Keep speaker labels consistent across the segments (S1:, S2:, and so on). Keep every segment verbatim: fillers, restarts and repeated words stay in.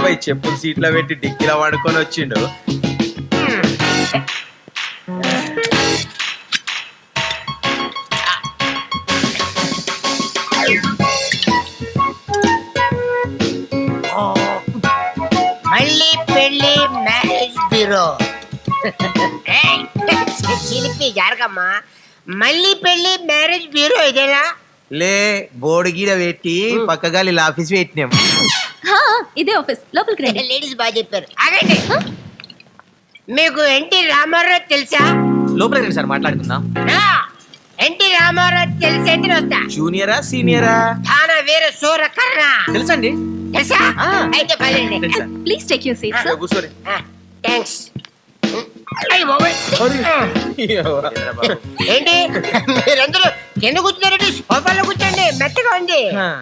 S1: పోయి చెప్పులు సీట్లో పెట్టి డిక్కీలో పడుకొని వచ్చిండు.
S2: మళ్ళీ పెళ్లి మ్యారేజ్ బ్యూరో. చిలిపి జరగమ్మా. మళ్ళీ పెళ్లి మ్యారేజ్ బ్యూరో ఇదేనా?
S1: లే బోర్డు గీడ పెట్టి పక్కగా ఇలా ఆఫీస్ పెట్టినాం.
S3: ఇదే ఆఫీస్, లోపలికి రండి.
S2: లేడీస్ బాగా చెప్పారు. ఆగండి. మీకు ఎన్టీ రామారావు తెలుసా?
S4: లోపలికి రండి సార్ మాట్లాడుకుందాం.
S2: ఎన్టీ రామారావు తెలిసేంటి వస్తా.
S1: జూనియరా సీనియరా?
S2: తానా వేరే సూర కర్ణ
S4: తెలుసండి.
S2: తెలుసా? అయితే పదండి.
S3: Please take your seat sir.
S1: కూర్చోరి.
S2: థ్యాంక్స్. ఏంటి మీరందరూ కింద కూర్చున్నారండి? సోఫాలో కూర్చోండి, మెత్తగా ఉంది.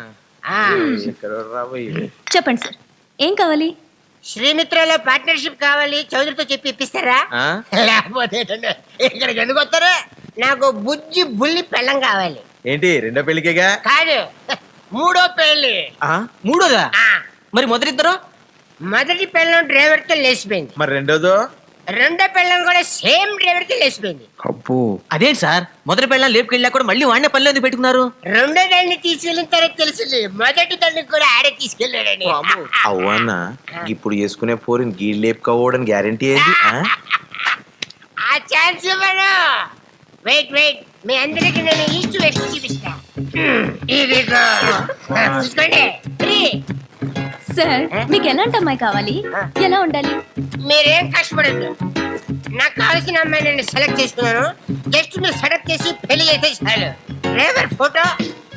S3: చెప్పండి సార్, ఏం కావాలి?
S2: శ్రీమిత్రలో పార్ట్నర్షిప్ కావాలి, చౌదరితో చెప్పి ఇప్పిస్తారా? లేకపోతే ఇక్కడికి ఎందుకు వస్తారా? నాకు బుజ్జి బుల్లి పెళ్ళం కావాలి.
S1: ఏంటి రెండో పెళ్లికేగా?
S2: కాదు, మూడో పెళ్లి.
S4: మూడోదా? మరి మొదటిద్దరు?
S2: మొదటి పెళ్ళం డ్రైవర్ తో లేచిపోయింది.
S1: మరి రెండోదో?
S2: రెండో పెళ్ళం కూడా సేమ్ డ్రైవర్ తో లేచిపోయింది.
S1: అబ్బో,
S4: అదేంటి సార్, మొదటి పెళ్ళం లేపుకెళ్ళా కూడా మళ్ళీ వాడినే పనిలో ఎందుకు పెట్టుకున్నారు?
S2: రెండో దాన్ని తీసుకెళ్ళిన తర్వాత తెలిసింది మొదటి దాన్ని కూడా ఆడే తీసుకెళ్ళాడని.
S1: అవునా? ఇప్పుడు చేసుకునే పోరిని గీ లేపుకోవడానికి గ్యారంటీ ఏంటి?
S2: ఆ ఛాన్స్ ఇవ్వను. వెయిట్ వెయిట్, మీ అందరికి నేను ఈస్ట్ వెస్ట్ చూపిస్తా. ఇదిగో చూసుకోండి. త్రీ.
S3: సార్, మీకు ఎలాంటి అమ్మాయి కావాలి? ఎలా ఉండాలి?
S2: మీరేం కష్టపడద్దు, నాకు కావాల్సిన అమ్మాయి నేను సెలెక్ట్ చేసుకున్నాను. జస్ట్ మీరు సెలెక్ట్ చేసి పెళ్లి చేస్తే చాలు. Driver photo.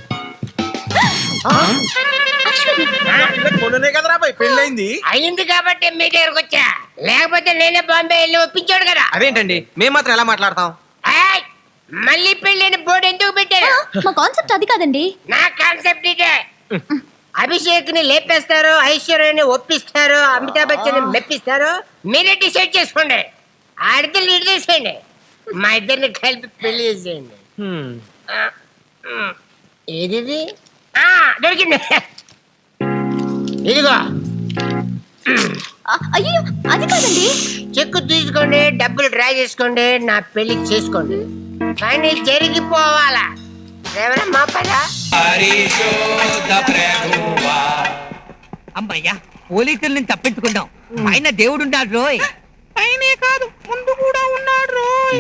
S1: మొన్ననే కదరా పోయి పెళ్ళైంది.
S2: అయింది కాబట్టి మీ దగ్గరకు వచ్చా, లేకపోతే నేనే బాంబే వెళ్ళి ఒప్పించాడు కదా.
S4: అదేంటండి, మేము మాత్రం ఎలా మాట్లాడతాం?
S2: ఏయ్, మళ్ళీ పెళ్ళైన బోర్డు ఎందుకు పెట్టారు?
S3: మా కాన్సెప్ట్ అది కాదండి.
S2: నా కాన్సెప్ట్ ఇదే. అభిషేక్ ని లేపేస్తారు, ఐశ్వర్యని ఒప్పిస్తారు, అమితాబ్ బచ్చన్ మెప్పిస్తారు. మీరే డిసైడ్ చేసుకోండి. ఆడితే లీడ్ చేసేయండి, మా ఇద్దరిని కలిపి పెళ్లి చేసేయండి. ఏది? దొరికింది, ఇదిగో.
S3: అయ్యో, అది కాదండి.
S2: చెక్కు తీసుకోండి, డబ్బులు డ్రా చేసుకోండి, నా పెళ్లి చేసుకోండి. కానీ జరిగిపోవాలా? ఎవరమ్మా పదా?
S5: అమ్మయ్యా, పోలీసుల్ని తప్పించుకున్నాం. పైన దేవుడు ఉన్నాడు రోయ్. పైనే కాదు, ముందు కూడా ఉన్నాడు రోయ్.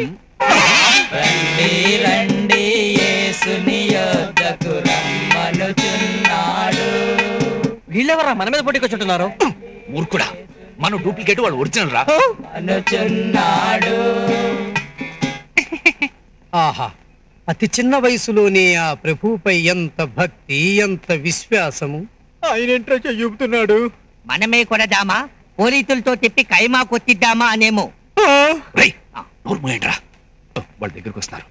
S4: వీళ్ళెవరా మన మీద పోటీకి వచ్చుంటున్నారు?
S6: మూర్ఖుడా, మన డూప్లికేట్ వాడు ఒరిజినల్ రా.
S7: ఆహా, అతి చిన్న వయసులోనే ఆ ప్రభువుపై ఎంత భక్తి, ఎంత విశ్వాసము.
S4: ఆయనేంట్రా చెయ్యుపుతున్నాడు?
S5: మనమే కొడదామా, పోలీసులతో చెప్పి కైమా కొట్టిద్దామా అనేమో.
S6: రేయ్, నోరు మూయండి రా, వాళ్ళ దగ్గరకు వస్తున్నారు.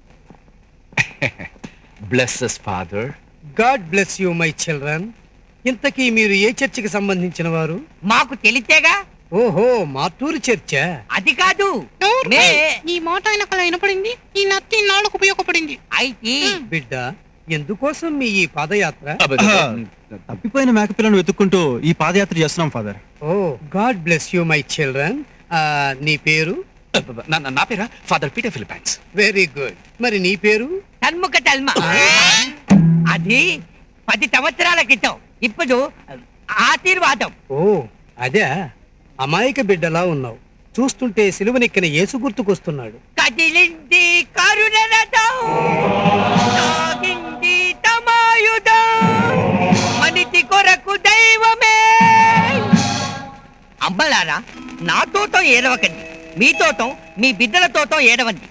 S6: Bless us father.
S7: God bless you my children. ఇంతకీ మీరు ఏ చర్చికి సంబంధించిన వారు?
S5: మాకు తెలితేగా.
S7: ఓహో, మార్టూరు చర్చా?
S5: అది కాదు.
S8: ఈ మాట ఆయనకు అలా వినపడింది, ఈ నత్తి నాళ్ళకు ఉపయోగపడింది.
S5: అయితే
S7: బిడ్డ, ఎందుకోసం మీ ఈ పాదయాత్ర?
S9: తప్పిపోయిన మేకపిల్లను వెతుక్కుంటూ ఈ పాదయాత్ర చేస్తున్నాం ఫాదర్.
S7: ఓ, God bless you my children. నీ పేరు?
S6: నా పేరా father Peter Philippines.
S7: Very good. మరి నీ పేరు?
S5: తన్ముఖ తల్మ. అది పది సంవత్సరాల క్రితం. ఇప్పుడు ఆశీర్వాదం.
S7: ఓ, అదే. అమాయక బిడ్డలా ఉన్నావు. చూస్తుంటే సిలువనెక్కిన యేసు గుర్తుకొస్తున్నాడు.
S5: కదిలింది కరుణ రథం, సాగింది తమాయుధం, మనిషి కొరకు దైవమే. అమ్మలారా, నా తోటం ఏడవకండి, మీ తోటం మీ బిడ్డల తోటం ఏడవండి.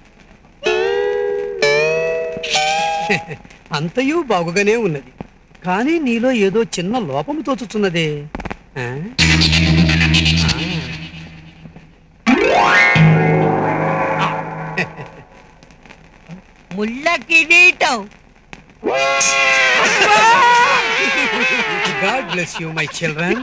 S7: అంతయూ బాగుగానే ఉన్నది, కానీ నీలో ఏదో చిన్న లోపము తోచుతున్నదే. ఆ?
S5: ముళ్ళ కిరీటం.
S7: God bless you my children.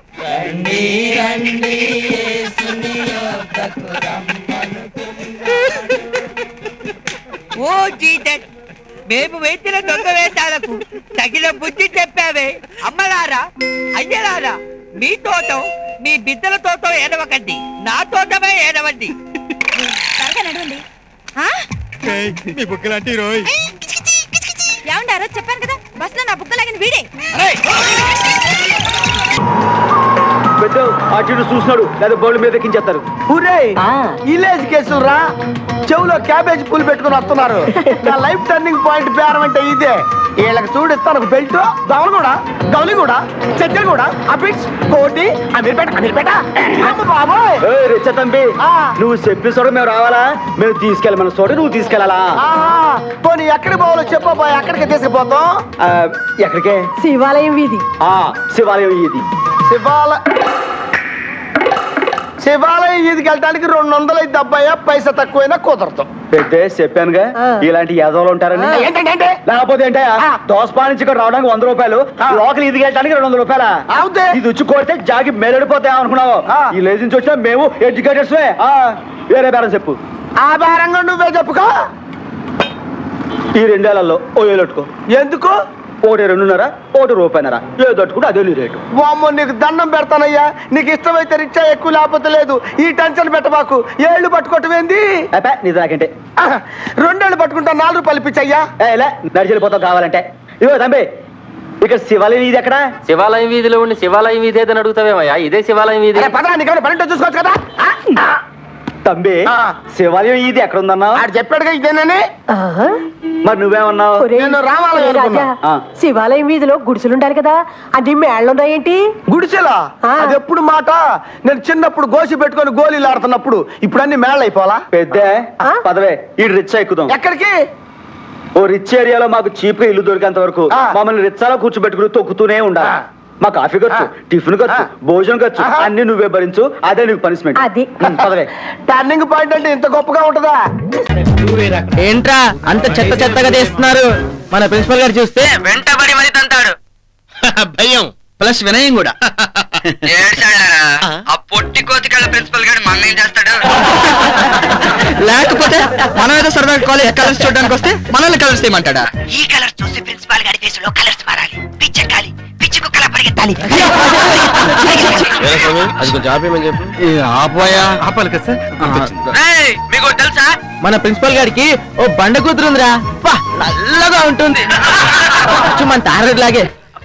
S5: ఓ జీసస్, మేము వేసిన దొంగ వేషాలకు తగిన బుద్ధి చెప్పావే. అమ్మలారా, అయ్యలారా, మీ తోట మీ బిడ్డల తోట ఏడవకండి, నా తోటమే ఏడవండి.
S3: త్వరగా నడవండి.
S9: నీ బుక్కలాంటి రోయ్.
S3: ఏమంటారో చెప్పాను కదా, బస్ లో నా బుక్క లాగిన వీడే.
S10: పెద్ద అటు చూస్తున్నాడు లేదా బౌల్ మీద ఎక్కించేస్తారు. విలేజ్ కేసులు రా, చెవులో క్యాబేజ్ పూలు పెట్టుకుని వస్తున్నారు. నా లైఫ్ టర్నింగ్ పాయింట్ పేరం అంటే ఇదే. వీళ్ళకి చూడిస్తాను బెల్ట్, దవలు కూడా, గౌలి కూడా, చెద్దలు కూడా, అబిట్స్, కోటి, అమీర్పేట, అమీర్పేట. బాబోయ్ తంబి, నువ్వు చెప్పేసోడు మేము రావాలా? మేము తీసుకెళ్ళమన్న చోట నువ్వు తీసుకెళ్ళాలా? పోనీ ఎక్కడికి పోవాలో చెప్పబో, ఎక్కడికి తీసుకుపోతాం? ఎక్కడికే?
S11: శివాలయం వీధి.
S10: శివాలయం వీధి. శివాల శివాలయం వీధికి వెళ్ళడానికి రెండు వందలు అయితే అబ్బాయి, పైసా తక్కువైనా కుదరదు. పెద్ద చెప్పానుగా ఇలాంటి యాదవులు ఉంటారని. లేకపోతే ఏంటే దోసపా నుంచి ఇక్కడ రావడానికి వంద రూపాయలు, లోకల్ ఈదికి వెళ్ళడానికి రెండు వందల రూపాయల. ఇది వచ్చి కొడితే జాగి మెరడిపోతాయి అనుకున్నావు. ఈ లేజ్ నుంచి వచ్చినా మేము ఎడ్యుకేటర్స్. వేరే బేరం చెప్పు. ఆ బేరంగా నువ్వే చెప్పుకో. ఈ రెండేళ్లలో ఓ ఏలెట్టుకో. ఎందుకు? ఒకటి రెండున్నర, ఒకటి రూపాయినర, ఏదో తట్టుకుంటే అదే నీ రేటు. వామ్మో, నీకు దండం పెడతానయ్యా. నీకు ఇష్టమైతే రిచ్చా ఎక్కువ, లేకపోతే లేదు. ఈ టెన్షన్ పెట్టబాకు. ఏళ్ళు పట్టుకోవటమేంది? నీ దాకంటే రెండేళ్ళు పట్టుకుంటా, నాలుగు రూపాయలు ఇప్పించయ్యా. నడిచెళ్ళిపోతావు కావాలంటే. ఇదిగో తంబి, ఇక్కడ శివాలయం వీధి ఎక్కడ?
S12: శివాలయం వీధిలో ఉండి శివాలయం వీధి ఏదని అడుగుతావేమయ్యా? ఇదే శివాలయం వీధి.
S10: పదా, నీకేమైనా పన్నెండు చూసుకోవచ్చు కదా. తంబి, శివాలయం ఇది ఎక్కడ ఉందన్నా? ఆడు చెప్పాడుగా ఇదేనని. మరి నువ్వేమన్నావు?
S11: శివాలయం వీధిలో గుడిసెలుండాలి కదా, అది మేళ్ళున్నాయేంటి?
S10: గుడిసెలా? అది ఎప్పుడు మాట? నేను చిన్నప్పుడు గోసి పెట్టుకొని గోళీలు ఆడుతున్నప్పుడు. ఇప్పుడు అన్ని మేళ్ళు అయిపోవాలా? పెద్ద పదవే, ఈ రిచ్చా ఎక్కుదాం. ఎక్కడికి? ఓ రిచ్ ఏరియాలో మాకు చీప్ గా ఇల్లు దొరికేంత వరకు మమ్మల్ని రిచ్చాలో కూర్చోబెట్టుకుని తొక్కుతూనే ఉండాలి. మా కాఫీ ఖర్చు, టిఫిన్ ఖర్చు, భోజనం ఖర్చు అన్ని నువ్వే భరించు. అదే నీకు పనిష్మెంట్.
S11: అది
S10: టర్నింగ్ పాయింట్ అంటే ఇంత గొప్పగా ఉంటదా?
S4: ఏంట్రా అంత చెత్త చెత్తగా చేస్తున్నారు? మన ప్రిన్సిపల్ గారు చూస్తే వెంటబడి మరి తంతాడు.
S6: భయం ప్లస్ వినయం కూడా.
S4: ఆ పొట్టి కోతికళ్ళ ప్రిన్సిపల్ గారు మన ఏం చేస్తాడు?
S6: లేకపోతే మనం ఏదో సరదాగా కాలేజ్ కలర్స్ చూడడానికి వస్తే మనల్ని కలర్స్ చేయమంటాడా?
S5: ఈ కలర్ చూసి ప్రిన్సిపాల్ గారి ఫేసులో కలర్స్ మారాలి. పిచ్చెక్కాలి, పిచ్చి కుక్కలా పరిగెత్తాలి.
S6: అది కొంచెం ఆపేయమని చెప్పు. ఆపోయా ఆపాలి కదా సార్.
S4: మీకు తెలుసా మన ప్రిన్సిపల్ గారికి ఓ బండ కూతురుందిరా, నల్లగా ఉంటుంది. మన తారలాగే.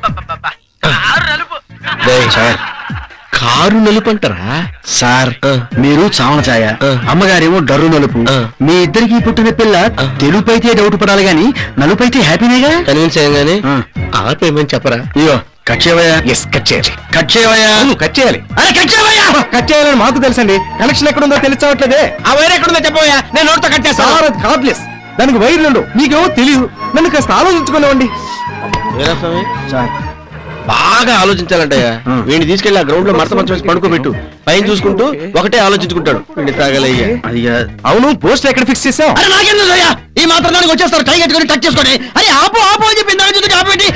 S6: సార్ కారు నలుపు అంటారా సార్? మీరు చావన ఛాయ, అమ్మగారేమో డర్రు నలుపు. మీ ఇద్దరికి పుట్టిన పిల్ల తెలుపు అయితే డౌట్ పడాలి గాని నలుపు అయితే హ్యాపీనేగా. కన్విన్స్ అయ్యాగానే ఆపేయమని చెప్పరా? ఇయో కట్ చేయవయ్యా. ఎస్ కట్ చేయాలి. కట్ చేయవయ్యా. కట్ చేయాలి. అరే కట్ చేయవయ్యా. కట్ చేయాలని మాకు తెలుసండి. కనెక్షన్ ఎక్కడుందో తెలియవట్లేదే. ఆ వైర్ ఎక్కడుందో చెప్పవయ్యా, నేను నోట్తో కట్ చేస్తాను. కార్డ్లెస్, దానికి వైర్లు మీకేమో తెలియదు. నన్ను కాస్త ఆలోచించుకునేవ్వండి సార్. బాగా ఆలోచించాలంటయ్యా. వీడిని తీసుకెళ్లి ఆ గ్రౌండ్ లో మరత మంచం వేసి పడుకోబెట్టు. పైన చూసుకుంటూ ఒకటే ఆలోచించుకుంటాడు. వీడిని తాగలయ్యా. అది అవును, పోస్ట్ ఎక్కడ ఫిక్స్ చేసావు? అరే నాకేందయ్యా, ఈ మాత్రం దానికి వచ్చేస్తారు. టై కట్టుకొని టచ్ చేసుకోండి. అరే ఆపు ఆపు అని చెప్పి ఆపేంటి?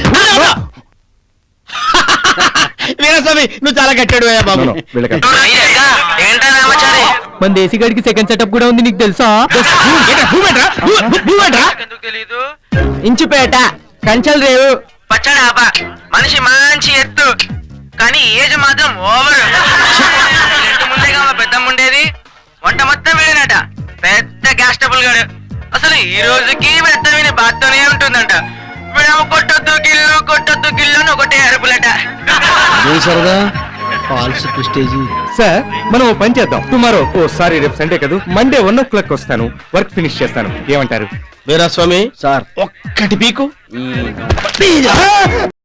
S6: వీరస్వామి నువ్వు చాలా కట్టాడు బాబు.
S4: మన దేశీ గడికి సెకండ్ సెటప్ కూడా ఉంది, నీకు తెలుసా? ఇంచుపేట కంచల్ రేవు పచ్చడి ఆప. మనిషి మంచి ఎత్తు, కానీ ఏజ్ మాత్రం ఓవర్. ఇంటి ముందేగా మా పెద్దమ్మ ఉండేది. వంట మొత్తం వీడేనట, పెద్ద గ్యాస్ ట్రబుల్ గాడు. అసలు ఈ రోజుకి పెద్ద విని బాత్తోనే ఉంటుందంట. వీడేమో కొట్టొద్దు గిల్లు కొట్టొద్దు గిల్లు అని ఒకటే అరుపులట.
S6: సరదా ఫాల్స్ ప్రెస్టేజీ.
S9: సార్ మనం ఓ పని చేద్దాం. టుమారో ఓ సారీ రేపు సండే కదా, మండే వన్ ఓ క్లాక్ వస్తాను, వర్క్ ఫినిష్ చేస్తాను. ఏమంటారు?
S6: వీరాస్వామి సార్ ఒక్కటి పీకు.